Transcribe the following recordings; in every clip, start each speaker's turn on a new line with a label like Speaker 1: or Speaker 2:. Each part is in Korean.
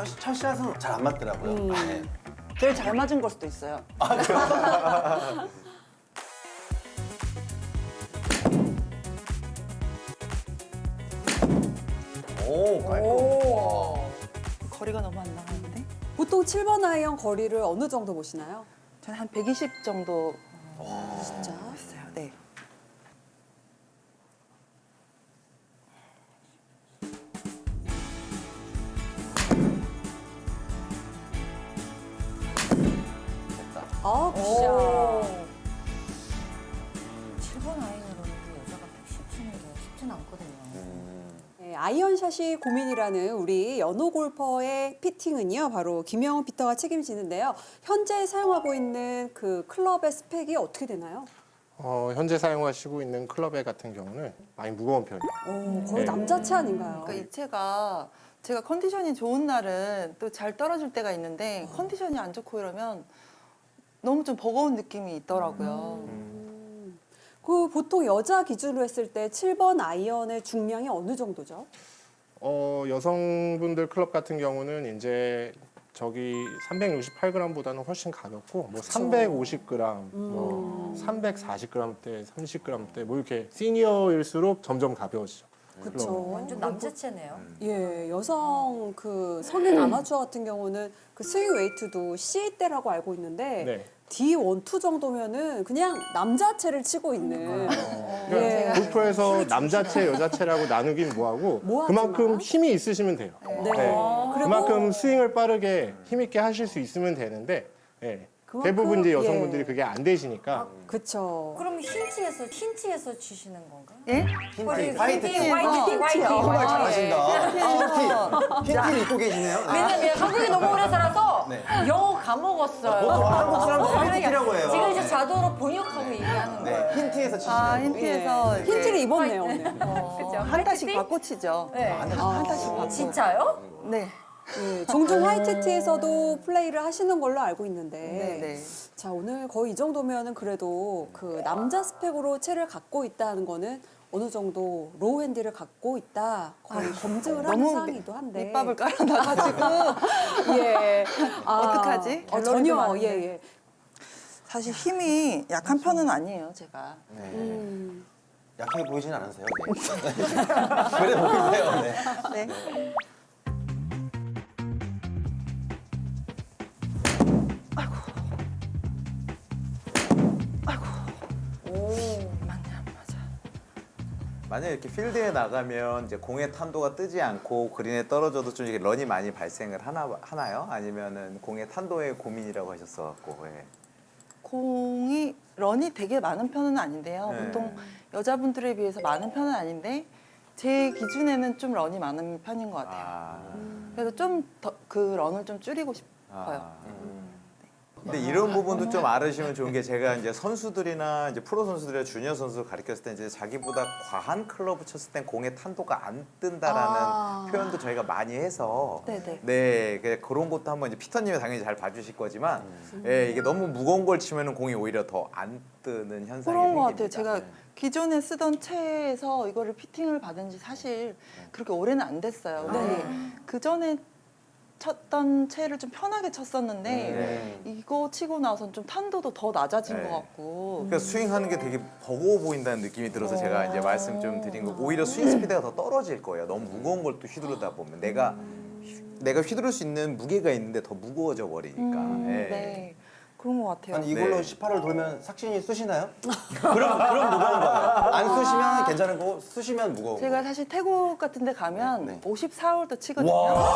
Speaker 1: 첫 샷은 잘 안 맞더라고요. 네.
Speaker 2: 제일 잘 맞은 걸 수도 있어요.
Speaker 1: 오, 깔끔.
Speaker 2: 거리가 너무 안 나가는데?
Speaker 3: 보통 7번 아이언 거리를 어느 정도 보시나요?
Speaker 2: 저는 한 120 정도
Speaker 3: 진짜?
Speaker 2: 했어요. 네.
Speaker 3: 아, 굿샷.
Speaker 4: 7번 아이언으로는 여자가 110 치는 게 쉽지는 않거든요.
Speaker 3: 네, 아이언샷이 고민이라는 우리 연호 골퍼의 피팅은요, 바로 김영훈 피터가 책임지는데요. 현재 사용하고 있는 그 클럽의 스펙이 어떻게 되나요?
Speaker 5: 현재 사용하시고 있는 클럽의 같은 경우는 많이 무거운 편이에요.
Speaker 3: 거의
Speaker 5: 네.
Speaker 3: 남자체 아닌가요?
Speaker 2: 그러니까 이 채가 제가 컨디션이 좋은 날은 또 잘 떨어질 때가 있는데 컨디션이 안 좋고 이러면 너무 좀 버거운 느낌이 있더라고요.
Speaker 3: 그 보통 여자 기준으로 했을 때 7번 아이언의 중량이 어느 정도죠?
Speaker 5: 여성분들 클럽 같은 경우는 이제 저기 368g보다는 훨씬 가볍고 뭐 350g, 뭐 340g대, 30g대 뭐 이렇게 시니어일수록 점점 가벼워지죠.
Speaker 3: 그렇죠.
Speaker 4: 완전 남자체네요.
Speaker 3: 예, 여성 그 성인 아마추어 같은 경우는 그 스윙 웨이트도 C대라고 알고 있는데
Speaker 5: 네.
Speaker 3: D1, 2 정도면은 그냥 남자체를 치고 있는.
Speaker 5: 그러니까 골프에서 남자체, 여자체라고 나누긴 뭐하고
Speaker 3: 뭐하지만.
Speaker 5: 그만큼 힘이 있으시면 돼요.
Speaker 3: 네.
Speaker 5: 네.
Speaker 3: 그리고
Speaker 5: 그만큼 스윙을 빠르게 힘있게 하실 수 있으면 되는데 예.
Speaker 3: 그만큼,
Speaker 5: 대부분 이제 여성분들이
Speaker 3: 예.
Speaker 5: 그게 안 되시니까
Speaker 3: 그쵸.
Speaker 4: 그럼 힌트에서 치시는 건가요?
Speaker 2: 예?
Speaker 1: 화이트.
Speaker 4: 화이트.
Speaker 1: 정말 잘하신다. 흰티를 입고 계시네요. 네.
Speaker 4: 왜냐면 한국에 너무 오래 살아서
Speaker 1: 네.
Speaker 4: 영어 까먹었어요.
Speaker 1: 보통 한국 사람들 화이트티라고 해요.
Speaker 4: 지금 이제 자동으로 번역하고 얘기하는
Speaker 1: 네,
Speaker 4: 거예요.
Speaker 1: 흰티에서 치시는
Speaker 2: 아,
Speaker 1: 거.
Speaker 2: 힌트에서 이제
Speaker 3: 힌트를 입었네요, 오늘.
Speaker 4: 그죠?
Speaker 2: 한 달씩
Speaker 4: 화이트티?
Speaker 2: 바꿔 치죠.
Speaker 4: 네.
Speaker 2: 한 달씩 바꿔.
Speaker 4: 진짜요?
Speaker 2: 네.
Speaker 3: 예, 종종 화이트티에서도 플레이를 하시는 걸로 알고 있는데.
Speaker 2: 네, 네.
Speaker 3: 자, 오늘 거의 이 정도면은 그래도 그 남자 스펙으로 채를 갖고 있다는 거는 어느 정도 로우 핸디를 갖고 있다. 거의 검증을 하는
Speaker 2: 너무
Speaker 3: 상황이기도 한데.
Speaker 2: 밑밥을 깔아놔가지고
Speaker 3: 예.
Speaker 2: 어떡하지?
Speaker 3: 전혀,
Speaker 2: 갤러리도 많은데.
Speaker 3: 예, 예.
Speaker 2: 사실 힘이 약한 편은 아니에요, 제가.
Speaker 1: 네. 약하게 보이진 않으세요? 네. 그래 보이세요. 네.
Speaker 2: 네. 맞네, 안 맞아.
Speaker 6: 만약에 이렇게 필드에 나가면 이제 공의 탄도가 뜨지 않고 그린에 떨어져도 좀 이렇게 런이 많이 발생을 하나요? 아니면은 공의 탄도의 고민이라고 하셨어갖고. 예.
Speaker 2: 공이 런이 되게 많은 편은 아닌데요.
Speaker 6: 네.
Speaker 2: 보통 여자분들에 비해서 많은 편은 아닌데 제 기준에는 좀 런이 많은 편인 것 같아요.
Speaker 6: 아.
Speaker 2: 그래서 좀 더 그 런을 좀 줄이고 싶어요.
Speaker 6: 근데 이런 부분도 좀 알으시면 좋은 게 제가 이제 선수들이나 이제 프로 선수들이나 주니어 선수 가르쳤을 때 이제 자기보다 과한 클럽을 쳤을 땐 공의 탄도가 안 뜬다라는 표현도 저희가 많이 해서
Speaker 2: 네네.
Speaker 6: 네, 그런 것도 한번 이제 피터님이 당연히 잘 봐주실 거지만 예, 이게 너무 무거운 걸 치면은 공이 오히려 더 안 뜨는 현상이
Speaker 2: 그런 것 같아요.
Speaker 6: 생깁니다.
Speaker 2: 제가
Speaker 6: 네.
Speaker 2: 기존에 쓰던 채에서 이거를 피팅을 받은 지 사실 그렇게 오래는 안 됐어요. 근데 그 전에 쳤던 채를 좀 편하게 쳤었는데
Speaker 6: 네.
Speaker 2: 이거 치고 나선 좀 탄도도 더 낮아진
Speaker 6: 네.
Speaker 2: 것 같고
Speaker 6: 그러니까 스윙하는 게 되게 버거워 보인다는 느낌이 들어서 제가 이제 말씀 좀 드린 거고 오히려 스윙 스피드가 더 떨어질 거예요. 너무 무거운 걸 또 휘두르다 보면 내가 휘두를 수 있는 무게가 있는데 더 무거워져 버리니까. 예.
Speaker 2: 네. 그런 것 같아요.
Speaker 1: 아니 이걸로
Speaker 6: 네.
Speaker 1: 18을 돌면 삭신이 쑤시나요? 그럼 무거운 거예요. 안 쑤시면 괜찮은 거고 쑤시면 무거운
Speaker 2: 제가
Speaker 1: 거.
Speaker 2: 사실 태국 같은 데 가면
Speaker 1: 네.
Speaker 2: 54홀도 치거든요.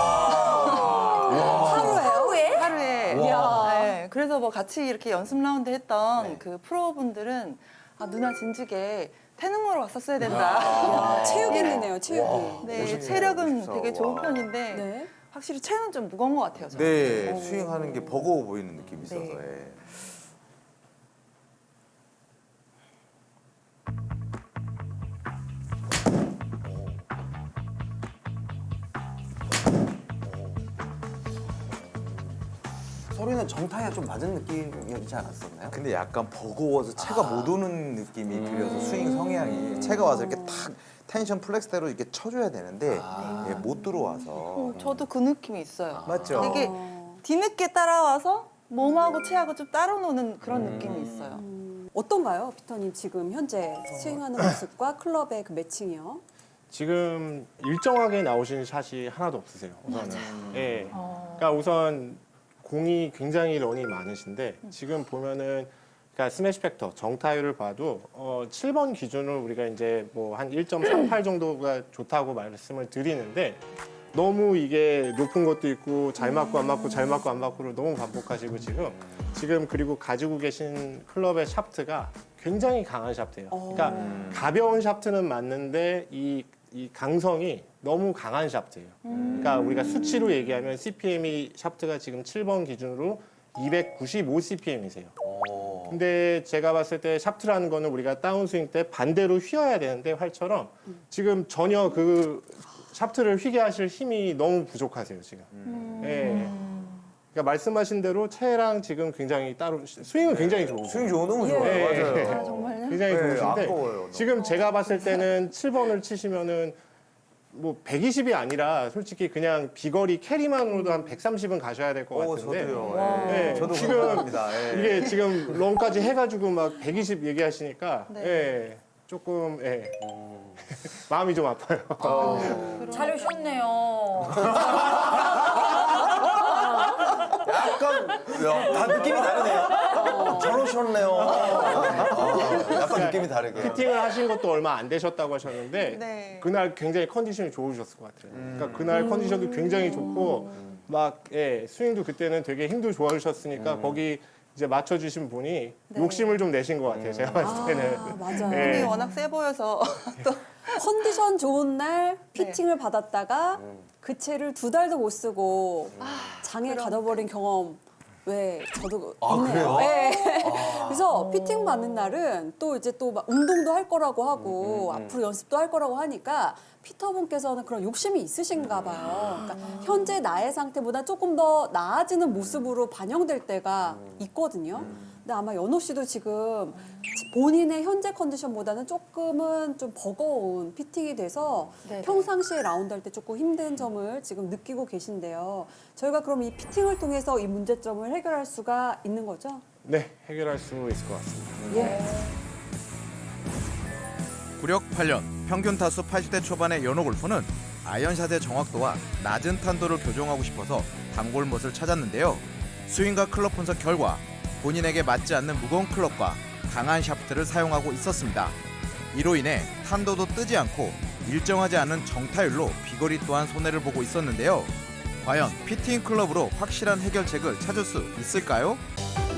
Speaker 4: 하루에?
Speaker 2: 하루에. 네. 그래서 뭐 같이 이렇게 연습 라운드 했던
Speaker 1: 네.
Speaker 2: 그 프로분들은 아, 누나 진즉에 태능 거로 왔었어야 된다.
Speaker 3: 야, 체육인이네요, 체육인.
Speaker 2: 네,
Speaker 6: 멋있네요.
Speaker 2: 체력은
Speaker 6: 멋있어.
Speaker 2: 되게 좋은
Speaker 6: 와.
Speaker 2: 편인데
Speaker 3: 네.
Speaker 2: 확실히 채는 좀 무거운 것 같아요. 저는.
Speaker 6: 네, 스윙하는 게 버거워 보이는 느낌이 있어서.
Speaker 2: 네.
Speaker 6: 예.
Speaker 1: 소리는 정타에 좀 맞은 느낌이지 않았었나요?
Speaker 6: 근데 약간 버거워서 채가 못 오는 느낌이 들려서 스윙 성향이 채가 와서 이렇게 탁 텐션 플렉스대로 이렇게 쳐줘야 되는데 예, 못 들어와서
Speaker 2: 저도 그 느낌이 있어요.
Speaker 6: 맞죠?
Speaker 2: 되게 뒤늦게 따라와서 몸하고 체하고 좀 따로 노는 그런 느낌이 있어요.
Speaker 3: 어떤가요, 피터님 지금 현재 스윙하는 모습과 클럽의 그 매칭이요?
Speaker 5: 지금 일정하게 나오신 샷이 하나도 없으세요. 우선은. 예. 그러니까 우선 공이 굉장히 런이 많으신데 지금 보면은 그러니까 스매시 팩터 정타율을 봐도 7번 기준으로 우리가 이제 뭐 한 1.38 정도가 좋다고 말씀을 드리는데 너무 이게 높은 것도 있고 잘 맞고 안 맞고 잘 맞고 안 맞고를 너무 반복하시고 지금 그리고 가지고 계신 클럽의 샤프트가 굉장히 강한 샤프트예요. 그러니까 가벼운 샤프트는 맞는데 이 강성이 너무 강한 샤프트예요. 그러니까 우리가 수치로 얘기하면 CPM이 샤프트가 지금 7번 기준으로 295 CPM이세요. 근데 제가 봤을 때 샤프트라는 거는 우리가 다운스윙 때 반대로 휘어야 되는데 활처럼 지금 전혀 그 샤프트를 휘게 하실 힘이 너무 부족하세요, 지금. 예. 그러니까 말씀하신 대로 채랑 지금 굉장히 따로 스윙은 굉장히 좋으세요.
Speaker 6: 스윙 좋은 너무
Speaker 3: 예.
Speaker 6: 좋아요.
Speaker 5: 예.
Speaker 6: 맞아요.
Speaker 2: 정말요?
Speaker 5: 굉장히
Speaker 6: 네,
Speaker 5: 좋으신데
Speaker 6: 아까워요, 너무.
Speaker 5: 지금 제가 봤을 때는 7번을 치시면은 뭐 120이 아니라 솔직히 그냥 비거리 캐리만으로도 한 130은 가셔야 될 것 같은데
Speaker 6: 저도요. 예.
Speaker 5: 네,
Speaker 6: 저도
Speaker 5: 지금
Speaker 6: 공감합니다. 예.
Speaker 5: 이게 지금 런까지 해가지고 막 120 얘기하시니까
Speaker 2: 네.
Speaker 5: 예, 조금 마음이 좀 아파요.
Speaker 4: 잘 오셨네요.
Speaker 1: 약간 다 느낌이 다르네요. 잘 오셨네요. 약간 느낌이 다르게.
Speaker 5: 피팅을 하신 것도 얼마 안 되셨다고 하셨는데
Speaker 2: 네.
Speaker 5: 그날 굉장히 컨디션이 좋으셨을 것 같아요. 그러니까 그날 컨디션도 굉장히 좋고 막 스윙도 그때는 되게 힘도 좋아지셨으니까 거기 이제 맞춰주신 분이 욕심을 좀 내신 것 같아요. 제가 봤을 때는.
Speaker 3: 아, 맞아요.
Speaker 5: 예.
Speaker 2: 힘이 워낙 세 보여서 또
Speaker 3: 컨디션 좋은 날 피팅을 받았다가 그 채를 2달도 못 쓰고 장에 가둬버린 경험 왜 저도 있네요.
Speaker 1: 그래요?
Speaker 3: 네. 그래서 피팅 받는 날은 또 이제 또 막 운동도 할 거라고 하고 앞으로 연습도 할 거라고 하니까 피터분께서는 그런 욕심이 있으신가 봐요. 그러니까 현재 나의 상태보다 조금 더 나아지는 모습으로 반영될 때가 있거든요. 근데 아마 연호 씨도 지금 본인의 현재 컨디션보다는 조금은 좀 버거운 피팅이 돼서
Speaker 2: 네네.
Speaker 3: 평상시에 라운드 할 때 조금 힘든 점을 지금 느끼고 계신데요. 저희가 그럼 이 피팅을 통해서 이 문제점을 해결할 수가 있는 거죠?
Speaker 5: 네, 해결할 수 있을 것 같습니다.
Speaker 3: 예.
Speaker 6: 구력 8년, 평균 타수 80대 초반의 연호 골퍼는 아이언샷의 정확도와 낮은 탄도를 교정하고 싶어서 단골못을 찾았는데요. 스윙과 클럽 분석 결과 본인에게 맞지 않는 무거운 클럽과 강한 샤프트를 사용하고 있었습니다. 이로 인해 탄도도 뜨지 않고 일정하지 않은 정타율로 비거리 또한 손해를 보고 있었는데요. 과연 피팅 클럽으로 확실한 해결책을 찾을 수 있을까요?